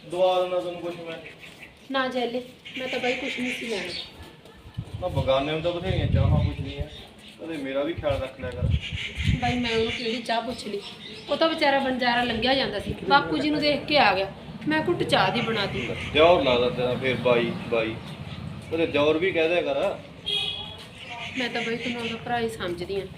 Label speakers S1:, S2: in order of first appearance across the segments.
S1: ਦਵਾ ਦੇਣਾ ਤੈਨੂੰ ਕੁਛ ਮੈਂ।
S2: ਨਾ ਜੈਲੇ ਮੈਂ ਤਾਂ ਬਾਈ ਕੁਛ ਨਹੀਂ ਸੀ ਲੈਣਾ।
S1: ਮੈਂ ਬਗਾਨੇ ਨੂੰ ਤਾਂ ਬਥੇਰੀਆਂ ਚਾਹਾਂ ਪੁੱਛਦੀਆਂ, ਕਦੇ ਮੇਰਾ ਵੀ ਖਿਆਲ ਰੱਖ ਲਿਆ ਕਰ।
S2: ਬਾਈ ਮੈਂ ਉਹਨੂੰ ਕਿਹੜੀ ਚਾਹ ਪੁੱਛ ਲਈ, ਉਹ ਤਾਂ ਵਿਚਾਰਾ ਬੰਜਾਰਾ ਲੰਘਿਆ ਜਾਂਦਾ ਸੀ, ਬਾਪੂ ਜੀ ਨੂੰ ਦੇਖ ਕੇ ਆ ਗਿਆ, ਮੈਂ ਘੁੱਟ ਚਾਹ ਦੀ ਬਣਾਤੀ।
S1: ਦਿਓਰ ਲੱਗਦਾ ਤੇਰਾ ਫਿਰ ਬਾਈ ਬਾਈ, ਕਦੇ ਦਿਓਰ ਵੀ ਕਹਿ ਦਿਆ ਕਰ।
S2: ਮੈਂ ਤਾਂ ਬਾਈ ਤੈਨੂੰ ਉਹਦਾ ਭਰਾ ਹੀ ਸਮਝਦੀ ਆ।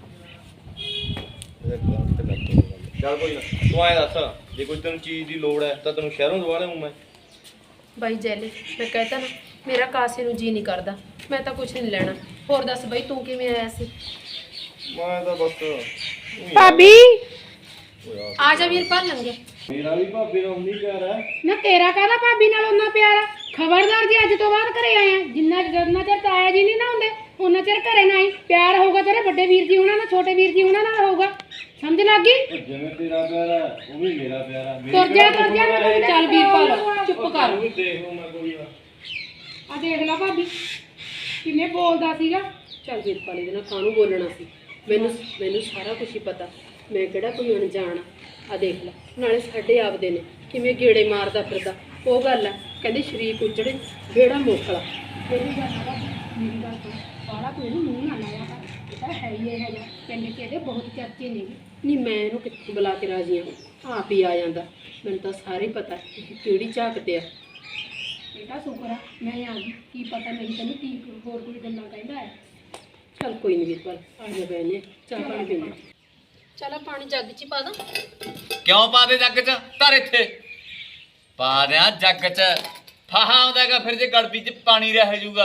S1: ਚੱਲ ਕੋਈ ਨਾ, ਤੂੰ ਐਂ ਦੱਸ, ਜੇ ਕੋਈ ਤੈਨੂੰ ਚੀਜ਼ ਦੀ ਲੋੜ ਹੈ ਤਾਂ ਤੈਨੂੰ ਸ਼ਹਿਰੋਂ ਦਵਾ ਲਿਆਊਂ ਮੈਂ।
S2: ਬਾਈ ਜੈਲੇ ਮੈਂ ਕਹਿਤਾ ਨਾ, ਮੇਰਾ ਕਾਸੇ ਨੂੰ ਜੀ ਨਹੀਂ ਕਰਦਾ, ਮੈਂ ਤਾਂ ਕੁਛ ਨਹੀਂ ਲੈਣਾ। ਹੋਰ ਦੱਸ ਬਾਈ ਤੂੰ ਕਿਵੇਂ ਆਇਆ ਸੀ?
S1: ਮੈਂ ਤਾਂ ਬਸ
S2: ਭਾਬੀ ਆ ਜਾ ਵੀਰ ਭਰ ਲੰਗੇ।
S1: ਮੇਰਾ ਵੀ ਭਾਬੀ ਨਾਲ ਉਨੀ ਪਿਆਰ ਹੈ
S2: ਨਾ ਤੇਰਾ ਕਾਹਦਾ ਭਾਬੀ ਨਾਲ ਉਹਨਾਂ ਪਿਆਰਾ? ਖਬਰਦਾਰ ਜੀ ਅੱਜ ਤੋਂ ਬਾਅਦ ਘਰੇ ਆਏ ਆ, ਜਿੰਨਾ ਚਿਰ ਤਾਇਆ ਜੀ ਨਹੀਂ ਨਾ ਹੁੰਦੇ ਉਹਨਾਂ ਚਿਰ ਘਰੇ ਨਾ ਆਈ। ਪਿਆਰ ਹੋਊਗਾ ਤੇਰੇ ਵੱਡੇ ਵੀਰ ਜੀ ਉਹਨਾਂ ਨਾਲ, ਛੋਟੇ ਵੀਰ ਜੀ ਉਹਨਾਂ ਨਾਲ ਹੋਊਗਾ, ਸਮਝ ਲੱਗ ਗਈ?
S1: ਜਿਵੇਂ ਤੇਰਾ ਪਿਆਰ ਹੈ ਉਹ ਵੀ ਮੇਰਾ ਪਿਆਰ ਹੈ।
S2: ਤੁਰ ਜਾ ਚੱਲ ਵੀਰਪਾਲ ਚੁੱਪ ਕਰ।
S1: ਦੇਖ ਲਓ ਮੈਂ ਕੋਈ ਨਾ।
S2: ਆ ਦੇਖ ਲੈ ਭਾਬੀ ਕਿਵੇਂ ਬੋਲਦਾ ਸੀਗਾ। ਚੱਲ ਵੀਰਪਾਲ ਇਹਦੇ ਨਾਲ ਕਾਹਨੂੰ ਬੋਲਣਾ ਸੀ, ਮੈਨੂੰ ਸਾਰਾ ਕੁਝ ਹੀ ਪਤਾ, ਮੈਂ ਕਿਹੜਾ ਕੋਈ ਅਣਜਾਣ ਆ ਦੇਖ ਲੈ, ਨਾਲੇ ਸਾਡੇ ਆਪਦੇ ਨੇ ਕਿਵੇਂ ਗੇੜੇ ਮਾਰਦਾ ਫਿਰਦਾ। ਉਹ ਗੱਲ ਆ ਕਹਿੰਦੇ ਸ਼ਰੀਕ ਉਜੜੇ ਗੇੜਾ ਮੋਖਲਾ। ਮੇਰੀ ਗੱਲ ਆ ਮੇਰੀ ਗੱਲ ਤੋਂ ਸਾਰਾ ਕੋਈ ਇਹਨੂੰ ਮੂੰਹ ਨਾ ਲਾਇਆ ਕਰ, ਇਹ ਤਾਂ ਹੈ ਹੀ ਇਹ ਜਿਹਾ ਪਿੰਡ 'ਚ ਇਹਦੇ ਬਹੁਤ ਚਰਚੇ ਨੇ। ਨਹੀਂ ਮੈਂ ਇਹਨੂੰ ਕਿੱਥੋਂ ਬੁਲਾ ਕੇ ਰਾਜੀ ਹਾਂ, ਆਪ ਹੀ ਆ ਜਾਂਦਾ। ਮੈਨੂੰ ਤਾਂ ਸਾਰੇ ਪਤਾ ਕਿਹੜੀ ਝਾਕਦੇ ਆ। ਬੇਟਾ ਸ਼ੁਕਰ ਆ ਮੈਂ ਆ ਗਈ, ਕੀ ਪਤਾ ਨਹੀਂ ਤੈਨੂੰ ਕੀ ਹੋਰ ਕੋਈ ਗੱਲਾਂ ਕਹਿੰਦਾ ਹੈ। ਚੱਲ ਕੋਈ ਨਹੀਂ ਵੀਰਪਾਲ ਆ ਜਾ ਬੈਨੇ ਚਾਹ ਪਾਣੀ ਪੀਂਦੇ। ਚੱਲ ਪਾਣੀ ਜੱਗ 'ਚ ਪਾ ਦਾਂ।
S3: ਕਿਉਂ ਪਾ ਦੇ ਜੱਗ 'ਚ? ਧਰ ਇੱਥੇ ਪਾ ਦਿਆਂ ਜੱਗ 'ਚ। ਫਾਹਾ ਆਉਂਦਾਗਾ ਫਿਰ ਜੇ ਗੜਬੀ 'ਚ ਪਾਣੀ ਰਹਿ ਜਾਊਗਾ।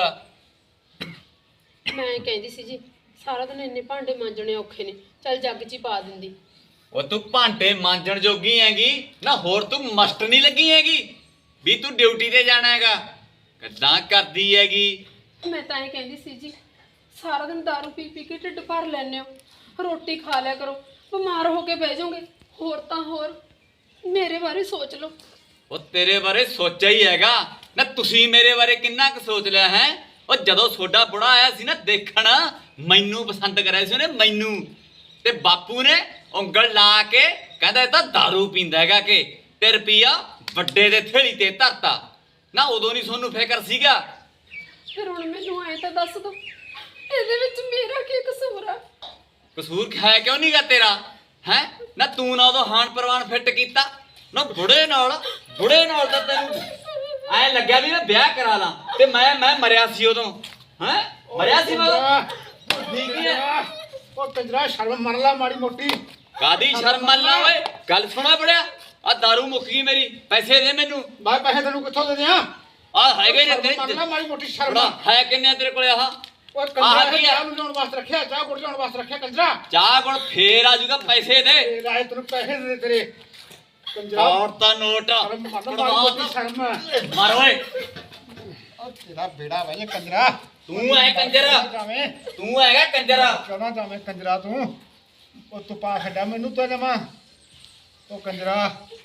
S2: ਮੈਂ ਕਹਿੰਦੀ ਸੀ ਜੀ ਸਾਰਾ ਦਿਨ ਇੰਨੇ ਭਾਂਡੇ ਮਾਂਜਣੇ ਔਖੇ ਨੇ, ਚੱਲ ਜੱਗ 'ਚ ਹੀ ਪਾ ਦਿੰਦੀ।
S3: ਉਹ ਤੂੰ ਭਾਂਡੇ ਮਾਂਜਣ ਜੋਗੀ ਹੈਗੀ ਨਾ, ਹੋਰ ਤੂੰ ਮਸਟ ਨਹੀਂ ਲੱਗੀ ਹੈਗੀ ਵੀ ਤੂੰ ਡਿਊਟੀ ਤੇ ਜਾਣਾ ਹੈਗਾ। ਕਿੱਦਾਂ ਕਰਦੀ ਹੈਗੀ?
S2: ਮੈਂ ਤਾਂ ਇਹ ਕਹਿੰਦੀ ਸੀ ਜੀ ਸਾਰਾ ਦਿਨ ਦਾਰੂ ਪੀ ਪੀ ਕੇ ਢਿੱਡ ਭਰ ਲੈਂਦੇ ਹੋ, ਰੋਟੀ ਖਾ ਲਿਆ ਕਰੋ, ਬਿਮਾਰ ਹੋ ਕੇ ਬਹਿ ਜਾਓਗੇ। ਹੋਰ ਤਾਂ ਹੋਰ ਮੇਰੇ ਬਾਰੇ ਸੋਚ ਲਓ।
S3: ਉਹ ਤੇਰੇ ਬਾਰੇ ਸੋਚਿਆ ਹੀ ਹੈਗਾ ਨਾ, ਤੁਸੀਂ ਮੇਰੇ ਬਾਰੇ ਕਿੰਨਾ ਕੁ ਸੋਚ ਲਿਆ ਹੈ? ਉਹ ਜਦੋਂ ਤੁਹਾਡਾ ਬੁੜਾ ਆਇਆ ਸੀ ਨਾ ਦੇਖਣ, ਮੈਨੂੰ ਪਸੰਦ ਕਰਿਆ ਸੀ ਉਹਨੇ ਮੈਨੂੰ, ਤੇ ਬਾਪੂ ਨੇ ਉਂਗਲ ਲਾ ਕੇ ਕਹਿੰਦਾ ਇਹ ਤਾਂ ਦਾਰੂ ਪੀਂਦਾ ਹੈਗਾ ਕਿ, ਤੇ ਰੁਪਈਆ ਵੱਡੇ ਦੇ ਥੇਲੀ ਤੇ ਧਰਤਾ ਨਾ। ਉਦੋਂ ਨਹੀਂ ਤੁਹਾਨੂੰ ਫਿਕਰ ਸੀਗਾ?
S2: ਫਿਰ ਹੁਣ ਮੈਨੂੰ ਐ ਤਾਂ ਦੱਸ ਦੋ ਇਹਦੇ ਵਿੱਚ ਮੇਰਾ ਕੀ ਕਸੂਰ ਆ?
S3: ਕਸੂਰ ਹੈ ਕਿਉਂ ਨਹੀਂਗਾ ਤੇਰਾ ਹੈ ਨਾ? ਤੂੰ ਨਾ ਉਦੋਂ ਹਾਨ ਪ੍ਰਵਾਨ ਫਿੱਟ ਕੀਤਾ ਨਾ, ਬੁੜੇ ਨਾਲ ਤਾਂ ਤੈਨੂੰ ਐ ਲੱਗਿਆ ਵੀ ਮੈਂ ਵਿਆਹ ਕਰਾ ਲਾਂ, ਤੇ ਮੈਂ ਮਰਿਆ ਸੀ ਉਦੋਂ। ਹੈ ਮਰਿਆ ਸੀ ਮੈਂ ਉਦੋਂ। ਠੀਕ ਹੀ ਹੈ।
S4: ਉਹ ਕੰਜਰਾ ਸ਼ਰਮ ਮੰਨ ਲਾ ਮਾੜੀ ਮੋਟੀ।
S3: ਕਾਦੀ ਸ਼ਰਮ ਮੰਨ ਲਾ ਓਏ? ਗੱਲ ਸੁਣਾ ਬੜਿਆ, ਆ ਦਾਰੂ ਮੁੱਕ ਗਈ ਮੇਰੀ, ਪੈਸੇ ਦੇ ਮੈਨੂੰ।
S4: ਮੈਂ ਪੈਸੇ ਤੈਨੂੰ ਕਿੱਥੋਂ ਦੇ ਦਿਆਂ?
S3: ਆ ਹੈਗੇ ਨੇ
S4: ਮੰਨ ਲਾ
S3: ਤੇਰੇ
S4: ਮਾੜੀ ਮੋਟੀ ਸ਼ਰਮ।
S3: ਬੜਾ ਹੈ ਕਿੰਨੇ ਤੇਰੇ ਕੋਲੇ? ਆਹ
S4: ਓਏ
S3: ਆਹ
S4: ਕੰਜਰਾ
S3: ਕੀ ਆ?
S4: ਚਾਹ ਨੂੰ ਲਿਆਉਣ ਵਾਸਤੇ ਰੱਖਿਆ, ਚਾਹ ਗੁੜ ਲਿਆਉਣ ਵਾਸਤੇ ਰੱਖਿਆ ਕੰਜਰਾ।
S3: ਚਾਹ ਕੋਲ ਫੇਰ ਆ ਜਾਊਗਾ, ਪੈਸੇ ਦੇ।
S4: ਤੇ ਰਾਏ ਤੈਨੂੰ ਪੈਸੇ ਦੇ ਤੇਰੇ ਕੰਜਰਾ।
S3: ਔਰ ਤਾਂ ਨੋਟ
S4: ਸ਼ਰਮ ਮੰਨ ਲਾ ਮਾੜੀ ਮੋਟੀ ਸ਼ਰਮ।
S3: ਮਾਰ ਓਏ।
S4: ਉਹ ਤੇਰਾ ਬੇੜਾ ਵੇ ਕੰਜਰਾ।
S3: ਤੂੰ ਐ ਕੰਜਰ,
S4: ਜਾਵੇਂ
S3: ਤੂੰ ਹੈਗਾ ਕੰਜਰ।
S4: ਕਿਉਂ ਜਾਵੇਂ ਕੰਜਰਾ ਤੂੰ? ਉਹ ਤੂੰ ਪਾ ਛੱਡਿਆ ਮੈਨੂੰ ਤਾਂ ਜਮਾ। ਉਹ ਕੰਜਰਾ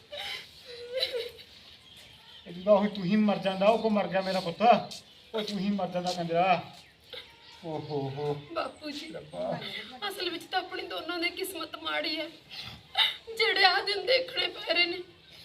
S4: ਇਹਦਾ ਉਹ ਤੂੰ ਹੀ ਮਰ ਜਾਂਦਾ, ਉਹ ਕੋ ਮਰ ਗਿਆ ਮੇਰਾ ਪੁੱਤ। ਉਹ ਤੂੰ ਹੀ ਮਰ ਜਾਂਦਾ ਕੰਜਰਾ। ਓਹੋ ਹੋ
S2: ਬਾਪੂ ਜੀ ਅਸਲ ਵਿੱਚ ਤਾਂ ਆਪਣੀ ਦੋਨਾਂ ਦੀ ਕਿਸਮਤ ਮਾੜੀ ਹੈ, ਜਿਹੜੇ ਆ ਦਿਨ ਦੇਖਣੇ ਪੈ ਰਹੇ ਨੇ।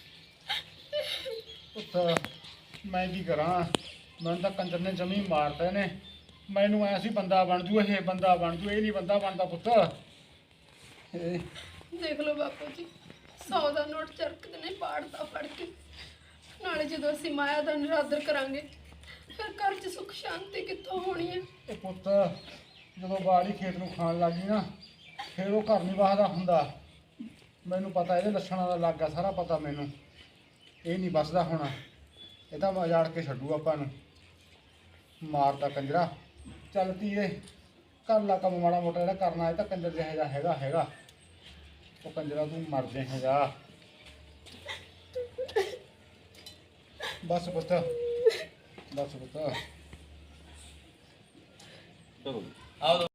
S4: ਪੁੱਤ ਮੈਂ ਕੀ ਕਰਾਂ, ਮੈਨੂੰ ਤਾਂ ਕੰਜਰ ਨੇ ਜਮੀ ਮਾਰਦੇ ਨੇ। ਮੈਨੂੰ ਐ ਸੀ ਬੰਦਾ ਬਣ ਜੂ, ਇਹ ਬੰਦਾ ਬਣ ਜੂ, ਇਹ ਨਹੀਂ ਬੰਦਾ ਬਣਦਾ ਪੁੱਤ। ਇਹ
S2: ਦੇਖ ਲਓ ਬਾਪੂ ਜੀ 100 ਦਾ ਨੋਟ ਚਰਕਦੇ ਨੇ ਪਾੜਦਾ ਫੜ ਕੇ। ਨਾਲੇ ਜਦੋਂ ਅਸੀਂ ਮਾਇਆ ਦਾ ਨਿਰਾਦਰ ਕਰਾਂਗੇ ਫਿਰ ਘਰ 'ਚ ਸੁੱਖ ਸ਼ਾਂਤੀ ਕਿੱਥੋਂ ਹੋਣੀ ਹੈ?
S4: ਇਹ ਪੁੱਤ ਜਦੋਂ ਬਾੜੀ ਖੇਤ ਨੂੰ ਖਾਣ ਲੱਗੀ ਨਾ, ਫਿਰ ਉਹ ਘਰ ਨਹੀਂ ਵਾਹਦਾ ਹੁੰਦਾ। ਮੈਨੂੰ ਪਤਾ ਇਹਦੇ ਲੱਛਣਾਂ ਦਾ ਲੱਗਾ ਸਾਰਾ ਪਤਾ ਮੈਨੂੰ। ਇਹ ਨਹੀਂ ਬਸਦਾ ਹੁਣ, ਇਹ ਤਾਂ ਉਜਾੜ ਕੇ ਛੱਡੂ ਆਪਾਂ ਨੂੰ। ਮਾਰਦਾ ਕੰਜਰਾ। ਚੱਲ ਧੀਏ ਕਰ ਲਾ ਕੰਮ ਮਾੜਾ ਮੋਟਾ ਜਿਹੜਾ ਕਰਨਾ, ਇਹ ਤਾਂ ਕੰਜਰ ਜਿਹਾ ਜਿਹਾ ਹੈਗਾ। ਉਹ ਕੰਜਰਾ ਤੂੰ ਮਰ ਜਾਏਗਾ। ਬਸ ਪੁੱਤ, ਬਸ ਪੁੱਤ।
S3: ਆਓ